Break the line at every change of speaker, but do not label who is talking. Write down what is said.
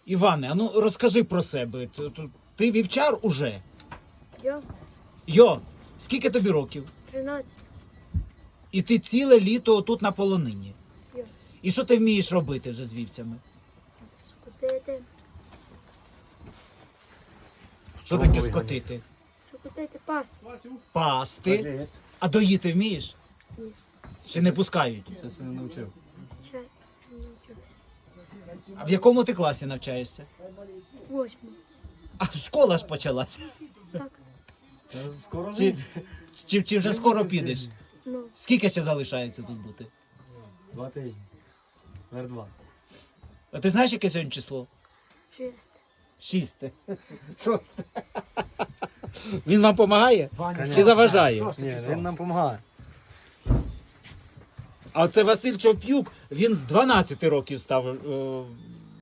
Іване, а ну розкажи про себе. Ти вівчар уже?
Я
Йо, скільки тобі років?
13.
І ти ціле літо тут на полонині.
Я
І що ти вмієш робити вже з вівцями?
скотити.
Що таке скотити?
Скотити пасти.
Пасти. А доїти вмієш?
Ні.
Чи не пускають?
Щось я не навчив.
Чай. Не навчився.
А в якому ти класі навчаєшся?
8.
А школа ж почалася.
Так.
Скоро
Чи вже скоро підеш?
Ну,
Скільки ще залишається тут бути?
2 тижні. Вер 2.
А ти знаєш, яке сьогодні число?
6.
6. 6. Він вам допомагає? Чи заважає?
Ні, він нам допомагає.
А це Василь Човп'юк, він з 12 років став